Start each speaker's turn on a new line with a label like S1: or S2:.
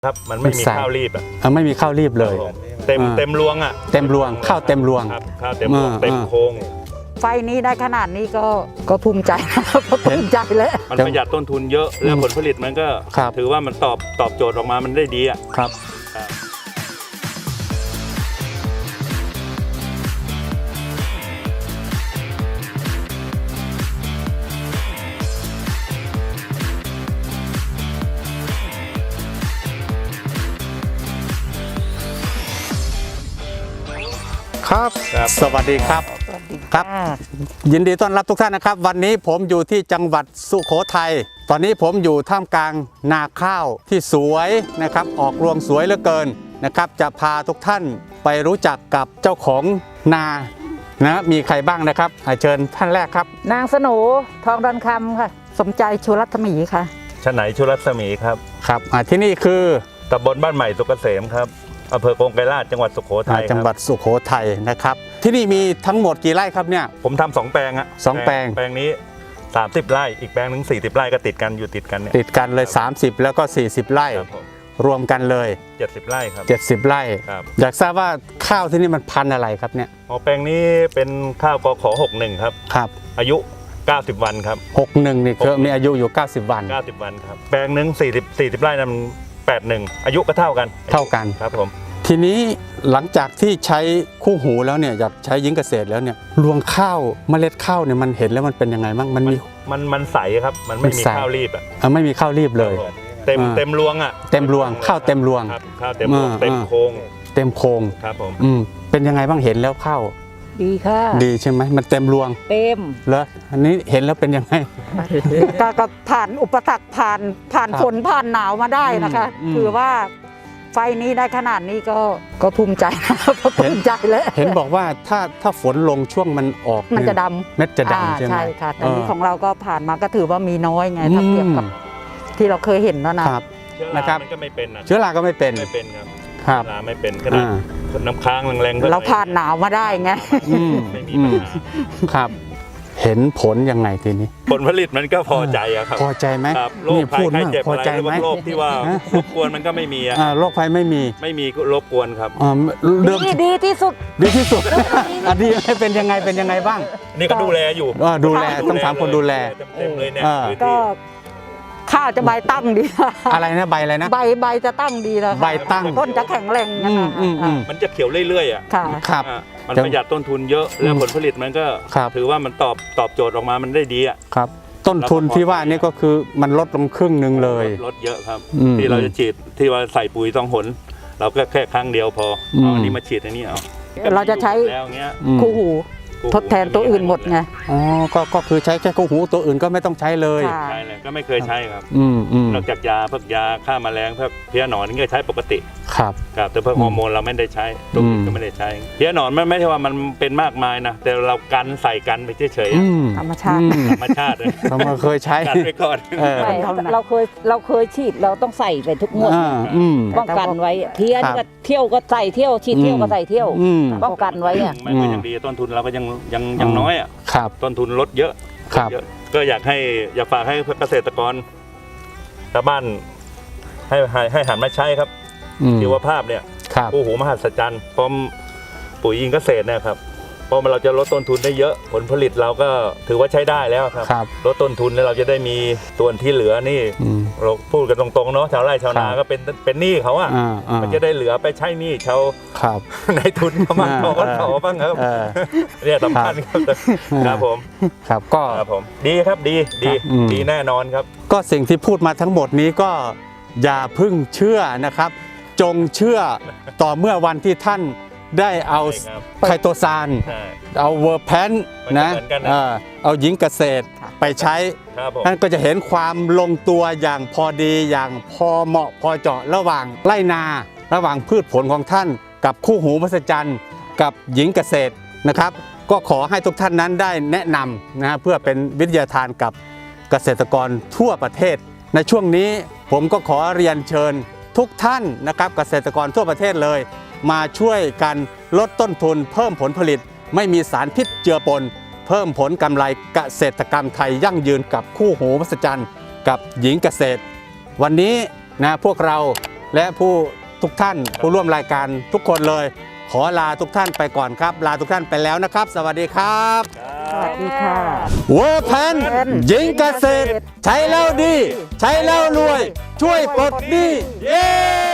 S1: ครับมันไม่มีข้าวรีบ
S2: ไม่มีข้าวรีบเลย
S1: เต็มรวง
S2: เต็มรวงข้าวเต็มรวง
S1: ครับข้าวเต็มรวงเต็มโค้ง
S3: ไฟนี้ได้ขนาดนี้ก็ภูมิใจภูมิใจแล้ว
S1: มันประหยัดต้นทุนเยอะแล้วผลผลิตมันก็ถือว่ามันตอบโจทย์ออกมามันได้ดีอ่ะ
S2: ครับครับสวัสดีครับครับยินดีต้อนรับทุกท่านนะครับวันนี้ผมอยู่ที่จังหวัดสุโขทัยตอนนี้ผมอยู่ท่ามกลางนาข้าวที่สวยนะครับออกรวงสวยเหลือเกินนะครับจะพาทุกท่านไปรู้จักกับเจ้าของนานะมีใครบ้างนะครับเชิญท่านแรกครับ
S3: นางสโหนทองดอนคำค่ะสมใจชูรัตมีค่ะ
S1: ชไหนชูรัตมีครับ
S2: ครับที่นี่คือ
S1: ตำบลบ้านใหม่สุกเกษมครับอำเภอกงไกรลาษฎร์จังหวัดสุโขทัย
S2: จังหวัดสุโขทัยนะครับที่นี่มีทั้งหมดกี่ไร่ครับเนี่ย
S1: ผมทำ2 แปลงอะ
S2: 2 แปลง
S1: นี้30 ไร่อีกแปลงนึง40 ไร่ก็ติดกันอยู่ติดกันเนี่ย
S2: ติดกันเลย30แล้วก็40 ไร่รวมกันเลย
S1: 70 ไร่ครับ
S2: 70 ไร่อยากทราบว่าข้าวที่นี่มันพันธุ์อะไรครับเนี่ย
S1: แปลงนี้เป็นข้าวกข61ครับ
S2: ครับ
S1: อายุ90 วันครับ
S2: 61นี่คือมีอายุอยู่90 วัน
S1: 90 วันครับแปลงนึง40 ไร่นั้น81อายุก็เท่ากันครับผม
S2: ทีนี้หลังจากที่ใช้คู่หูแล้วเนี่ยอยากใช้ยิงเกษตรแล้วเนี่ยรวงข้าวเมล็ดข้าวเนี่ยมันเห็นแล้วมันเป็นยังไงบ้าง
S1: มันใสครับมันไม่มีข้าวรีบ
S2: ไม่มีข้าวรีบเลย
S1: เต็มรวง
S2: เต็มรวงข้าวเต็มรวง
S1: ข้าวเต็มรวงเต็มโค้งครับผม
S2: เป็นยังไงบ้างเห็นแล้วข้าว
S3: ดีค่ะ
S2: ดีใช่ไหมมันเต็มรวง
S3: เต็ม
S2: เหรออันนี้เห็นแล้วเป็นยังไง
S3: ก็ผ่านอุปสรรคผ่านฝนผ่านหนาวมาได้นะคะคือว่าไฟนี้ได้ขนาดนี้ก็ภูมิใจภูมิใจแล้ว
S2: เห็นบอกว่าถ้าฝนลงช่วงมันออก
S3: มันจะดำ
S2: เม็ดจะดำใช่ไหม
S3: ใช่ค่ะแต่นี้ของเราก็ผ่านมาก็ถือว่ามีน้อยไงถ้าเทียบกับที่เราเคยเห็นแล้วนะครับ
S1: นะครับมันก็ไม่เป็น
S2: เชื้อราก็ไม่เป็น
S1: ครับราไม่เป็นขนาดน้ำค้างแรง
S3: ๆเราผ่านหนาวมาได้ไง
S1: ไม่มีปัญหา
S2: ครับเห็นผลยังไงทีนี้
S1: ผลผลิตมันก็พอใจครับ
S2: พอใจไหม
S1: โรคภัยไข้เจ็บอะไรโรคที่ว่ารบกวนมันก็ไม่มี
S2: โรคภัยไม่
S1: มีรบกวนครับ
S3: ดีที่สุด
S2: ดีที่สุดดีเป็นยังไงบ้าง
S1: นี่ก็ดูแลอยู่
S2: ดูแลต้องถามคนดูแล
S1: เต็มเลยเนี่ย
S3: ก็ข้าวจะใบตั้งดี
S2: อะไรนะใบอะไรนะ
S3: ใบจะตั้งดีแล้ว
S2: ใบตั้ง
S3: ต้นจะแข็งแรงนะคะ
S1: มันจะเขียวเรื่อยๆ
S2: ครับ
S1: มันประหยัดต้นทุนเยอะแล้วผลผลิตมันก็ถือว่ามันตอบโจทย์ออกมามันได้ดีอ่ะ
S2: ครับต้นทุนที่ว่านี่ก็คือมันลดลงครึ่งนึงเลย
S1: ลดเยอะครับที่เราจะฉีดที่ว่าใส่ปุ๋ยต้องหนเราก็แค่ครั้งเดียวพออันนี้มาฉีดอันนี้
S3: เราจะใช้คู่หูทดแทนตัวอื่นหมดไง
S2: ก็คือใช้แค่คู่หูตัวอื่นก็ไม่ต้องใช้เลย
S1: ใช่เลยก็ไม่เคยใช้ครับนอกจากยาพวกยาฆ่าแมลงพวกเพี้ยหนอนนี่ก็ใช้ปกติ
S2: ครับ
S1: แต่พวกฮอร์โมนเราไม่ได้ใช้ตัวอื่นก็ไม่ได้ใช้เพี้ยหนอนไม่ใช่ว่ามันเป็นมากมายนะแต่เราใส่กันไปเฉย
S3: ๆธรรมชาติ
S2: เราเคยใช้
S1: กันไปก่อน
S3: เราเคยฉีดเราต้องใส่ไปทุกงวดป้องกันไว้เพี้ยก็เที่ยวก็ใส่เที่ยวฉีดเที่ยวก็ใส่เที่ยวป้องกันไว้อะ
S1: ไม่ยังดีต้นทุนเราก็ยังน้อยอ่ะต้นทุนลดเยอะก็อยากฝากให้เกษตรกรชาวบ้านให้หันมาใช้ครับชีวภาพเนี่ยคู่หูมหัศจรรย์พร้อมปุ๋ยอินเกษตรเนี่ยครับเพราะเราจะลดต้นทุนได้เยอะผลผลิตเราก็ถือว่าใช้ได้แล้วครับลดต้นทุนแล้วเราจะได้มีส่วนที่เหลือนี่เราพูดกันตรงๆเนาะชาวไร่ชาวนาก็เป็นหนี้เขาอ่ะมันจะได้เหลือไปใช้หนี้ชาวในทุนเขาบ้างเขาบ้างครับเนี่ยสำคัญครับผม
S2: ครับก็
S1: ผมดีครับดีแน่นอนครับ
S2: ก็สิ่งที่พูดมาทั้งหมดนี้ก็อย่าพึ่งเชื่อนะครับจงเชื่อต่อเมื่อวันที่ท่านได้เอาไคโตซานเอาเวอร์แพนนะเอาหญิงเกษตรไปใช้ท่านก็จะเห็นความลงตัวอย่างพอดีอย่างพอเหมาะพอเจาะระหว่างไร่นาระหว่างพืชผลของท่านกับคู่หูมหัศจรรย์กับหญิงเกษตรนะครับก็ขอให้ทุกท่านนั้นได้แนะนำนะเพื่อเป็นวิทยาทานกับเกษตรกรทั่วประเทศในช่วงนี้ผมก็ขอเรียนเชิญทุกท่านนะครับเกษตรกรทั่วประเทศเลยมาช่วยกันลดต้นทุนเพิ่มผลผลิตไม่มีสารพิษเจือปนเพิ่มผลกำไรเกษตรกรรมไทยยั่งยืนกับคู่หูมหัศจรรย์กับหญิงเกษตรวันนี้นะพวกเราและผู้ทุกท่านผู้ร่วมรายการทุกคนเลย ขอลาทุกท่านไปก่อนครับ ลาทุกท่านไปแล้วนะครับ สวัสดีครับ
S3: สวัสดีค่ะ
S2: เวอร์แพนหญิงเกษตร ใช้แล้วดี ใช้แล้วรวย ช่วยปลดหนี้เย้